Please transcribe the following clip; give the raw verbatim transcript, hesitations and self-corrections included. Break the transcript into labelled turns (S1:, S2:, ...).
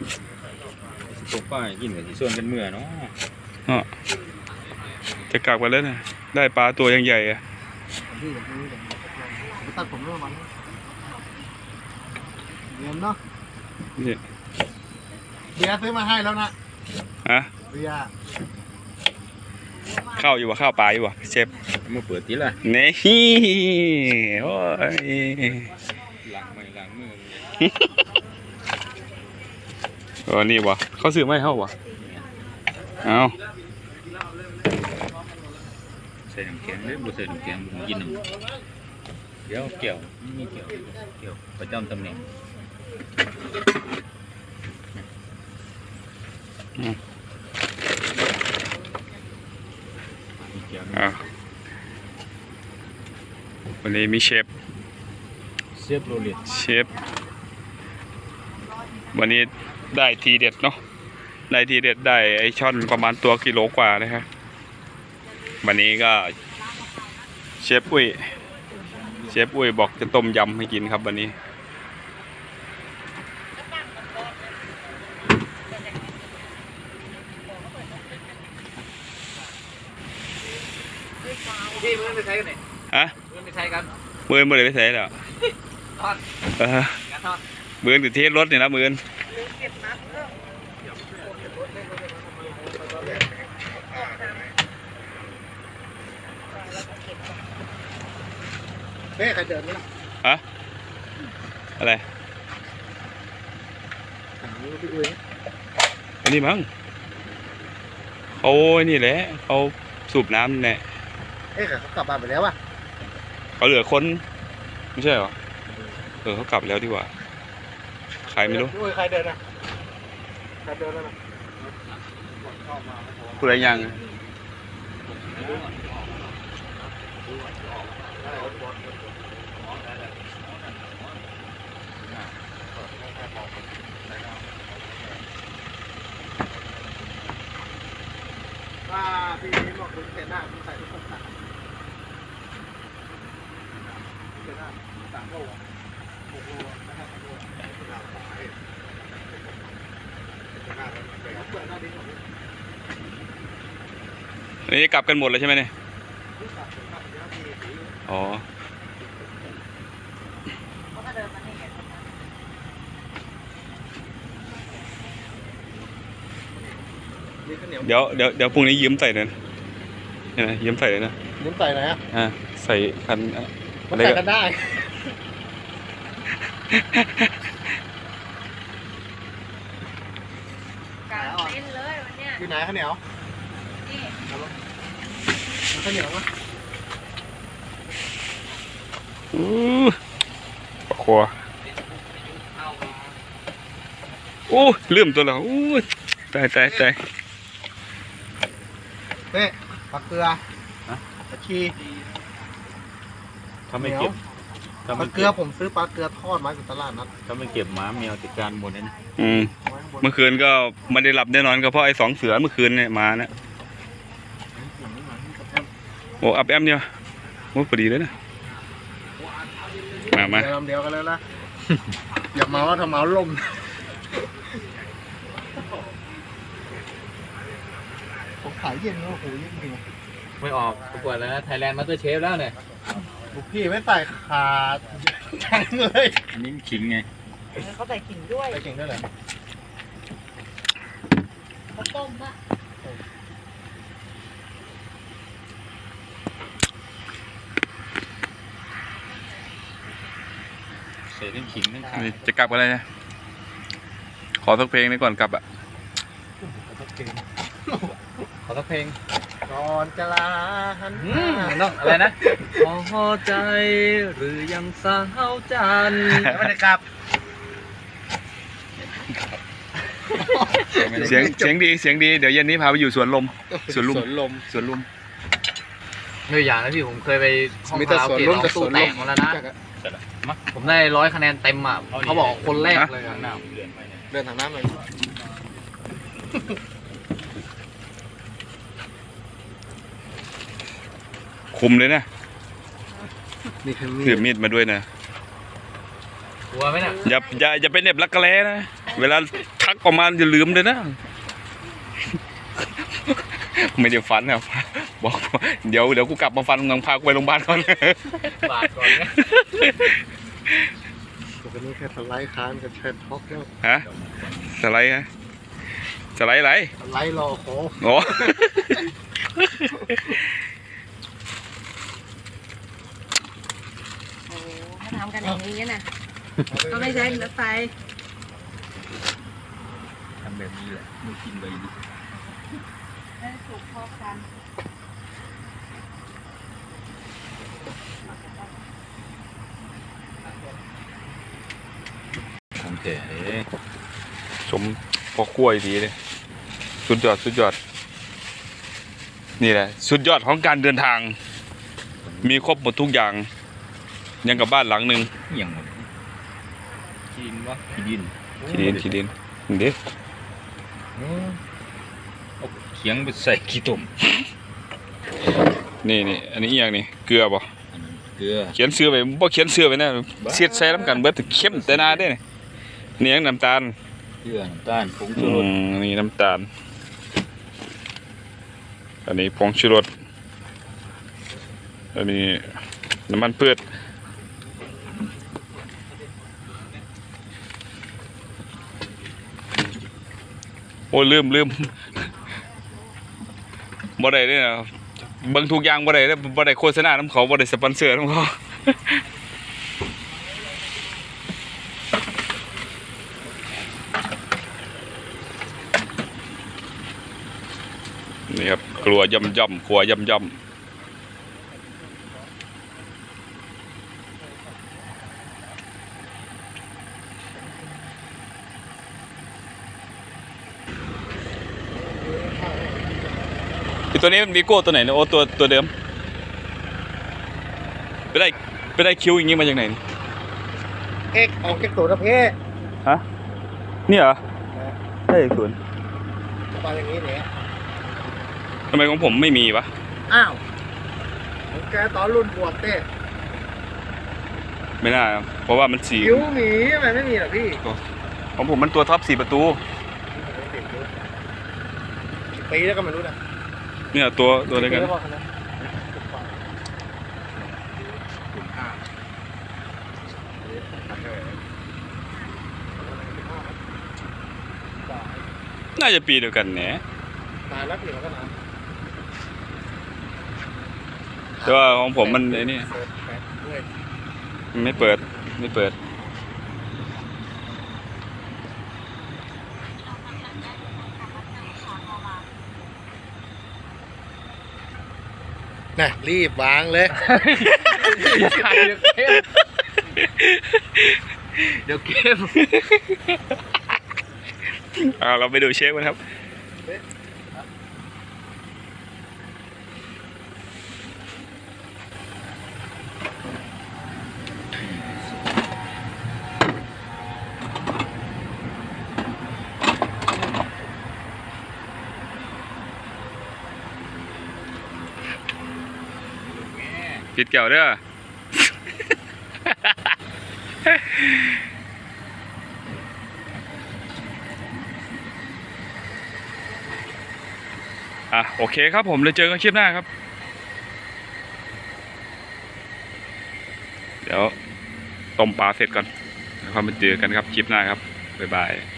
S1: ตกป้ายกินกับที่ส่วนกันเมื่อเนาะ
S2: อ๋อจะกลับกันแล้วนะได้ปลาตัวยังใหญ่อะ
S3: ตัดผมเรื่องมันเงินเนาะ
S2: นี่
S3: เบียร์ซื้อมาให้แล้วนะ
S2: ฮะ
S3: เบียร์
S2: ข้าวอยู่วะข้าวปลาอยู่วะเชฟ
S1: มาเปิดทีละ
S2: นี่โอ้ย
S1: ล้างไม่ล้างมือ
S2: เออนี่วะเขาซื้อไม่เข้าวะเอา
S1: ใส่น้ำแข็งเลยบุใส่น้ำแข็งผมกินหนึ่งเดี๋ยวเกี่ยวนี่เกี่ยวเกี่ยวประจำตำแหน่ง
S2: อ่าวันนี้มีเชฟ
S1: เชฟโรเลต
S2: เชฟวันนี้ได้ทีเด็ดเนาะได้ทีเด็ดได้ไอช่อนประมาณตัวกิโลกว่านะครับวันนี้ก็เชฟอุ้ยเชฟอุ้ยบอกจะต้มยำให้กินครับวันนี้
S1: พี่มือไปใช้กันไหน
S2: ฮะ
S1: มือไปใช้กัน
S2: มือมือเลยไปใช้แล้ว
S1: ทอด
S2: เออมือติดเทสรถนี่นะมือ
S3: เฮ้ยใครเดินไหมล่ะ
S2: ฮะอะไรอันนี้มั้งเขานี่แหละเขาสูบน้ำเนี่ย
S3: เอ้ยเขากลับบ้านไปแล้ววะ
S2: เขาเหลือคนไม่ใช่เหรอเออเขากลับแล้วดีกว่าใครไม่รู้
S3: ใครเดินนะใครเดินแล้วนะ
S2: คุณอะไรยัง
S3: ว่าพี่นี้บอกคุณเห็นหน้าคุณใส่ทุกคนต่างเห็นหน้าต่างโลกโอ้โหนะครับโอ้โหหน้าตาเห็นหน้าเปิดหน้าดิ้ง
S2: อันนี้กลับกันหมดเลยใช่ไหมเนี่ยอ๋อเดี๋ยวเดี๋ยวเดี๋ยวพรุ่งนี้ยืมใส่เลยนะเนี่ยนะยืมใส่เลยนะ
S3: ยืมใส่ไหนอ่ะ
S2: อ่าใส่คัน
S3: อะไรใส่กันได้
S4: กางเต็นเลยวันเนี้ย
S3: อยู่ไหนข้าวเหนียวนี่ข้าวเหนียวมั้ย
S2: อู้ครัวอู้ลืมตัวแล้วอู้ตายตายตาย
S3: เฮ้ปลาเกลือปลาชี
S1: ถ้าไม่เก็บ
S3: ปลาเกลือผมซื้อปลาเกลือทอดมาจากตลาดนัด
S1: ถ้าไม่เก็บหมาแมวติดการหมดเลยนะ
S2: อืมเมื่อคืนก็ไม่ได้หลับแน่นอนก็เพราะไอ้สองเสือเมื่อคืนเนี่ยมาเนี่ยโอ้อับแอมเนี่ยโอ้พอดีเลยนะมามา
S3: ลำเดียวกันเลยนะอย่าเมาว่าถ้าเมาลมผมขายเย็นแล้วโหเย็นจริง
S1: ไม่ออกประกวดแล้วนะไทยแลนด์มาสเตอร์เชฟแล้วเนี่ย
S3: ลูกพี่ไม่ใส่ขาจังเลย
S1: อันนี้ขิงไง
S4: เขาใส่ขิงด้วย
S3: ใส่ขิงด้วยเหรอ
S4: เขาต้มอะ
S1: ใส่ทั้งขิงทั้งขา
S2: จะกลับอะไรนะขอสักเพลงนี้ก่อนกลับอ่ะ
S3: ขอสักเพลง
S1: ขอสักเพลง
S3: ก่อนจะลาหัน
S1: น้องอะไรนะพอใจหรือยังสาวจัน
S3: ไม่ได้กลับ
S2: เสียงเสียงดีเสียงดีเดี๋ยวเย็นนี้พาไปอยู่สวนลมสวนลุม
S3: สวนลม
S2: สวนลุม
S1: เนื้ออย่างนะพี่ผมเคยไปห้องคาราโอเกะร้องตู้แตกมาแล้วนะผมได้ร้อยคะแนนเต็มอ่ะเขาบอกคนแรกเลย
S3: เดินทางน้ำเลย
S2: คุมเลยนะถือมีดมาด้วยนะ
S1: กลัวไหมน่ะ
S2: อย่าอย่าอย่าไปเน็บรักกระแลนะเวลาทักออกมาอย่าลืมเลยนะ ไม่ได้ฟันครับบอกเดี๋ยวเดี๋ยวกูกลับมาฟันงังพากูไปโรงพยาบาลก่อน
S1: บาทก่อนนะ
S3: ตัวนี้แค่สไลด์ค้านกับแชทท็อกแล้ว
S2: ฮะสไลด์ฮะสไลด์อะไร
S3: สไลด์รอโค้ง
S2: โอ้
S4: โอ้ถ้าทำกันอย่างนี้นะก็ไม่ใช่รถไฟ
S1: ทำแบบนี้แหละไม่กินไปดิ
S4: ได้ถูกพอกัน
S1: ของแก่
S2: ชมพอกล้วยดีเลยสุดยอดสุดยอดนี่แหละสุดยอดของการเดินทาง มีครบหมดทุกอย่างยังกับบ้านหลังหนึ่ง
S1: อย่างกินวะกิน
S2: ทีดินทีดินเด็ก
S1: เอาเขียงไปใส่ขี้ตุ่ม
S2: นี่นี่อันนี้อหย่างนี้เกลือบ่
S1: เกลือ
S2: เขียนเสื้อไปบ่เขียนเสื้อไปนะเสียดใส่น้ำกันเบิดแต่เข้มแต่นาได้นี่นี่ยังน้ำตาล
S1: เกลือน้ำตาลผงชู
S2: อื
S1: รส
S2: มนี่น้ำตาลอันนี้ผงชูรสอันนี้น้ำมันพืชโอ้ลืมลืมบ่ได้เด้อนะเบิ่งทุกอย่างบ่ได้เด้อบ่ได้โฆษณาน้ำเขาบ่ได้สปอนเซอร์น้ำเขา นี่ครับครัวย่ำย่ำครัวย่ำย่ำอีตัวนี้มันมีโก้ตัวไหนเนี่ยโอ้ตัวตัวเดิมไปได้ไปได้คิวอย่างงี้มาจากไหนนี่
S3: เอ็กออกจากตัวนะเพ่
S2: ฮะนี่เหรอได้จากสวน
S3: มาอย่างนี้เนี่ย
S2: ทำไมของผมไม่มีวะ
S3: อ้าวของแกตอนรุ่นบวชเต้
S2: ไม่น่าครับเพราะว่ามันสี
S3: คิ้วหมีทำไมไม่มีล่ะพี่
S2: ของผมมันตัวท็อปสี่ประตู
S3: ปีแล้วก็ไม่รู้นะ
S2: เนี่ยตัวตัวอะไรกัน
S3: ปีแล้วนะ
S2: น่าจะปีเดียวกันแหน
S3: นานแล้วปีแล้วก็นาน
S2: แต่ว่าของผมมันไอ้นี่
S3: เปิดแปดด้วย
S2: มันไม่เปิดไม่เปิด
S3: น่ะรีบวางเลย
S1: อย่าขายเดี๋ยวเกมเดี๋ยวเกม
S2: อ่าเราไปดูเชฟกันครับปิดแก้วเด้อ อ่ะโอเคครับผมเลยเจอกันคลิปหน้าครับ เดี๋ยวต้มปลาเสร็จก่อนแล้วค่อยมาเจอกันครับคลิปหน้าครับบ๊ายบาย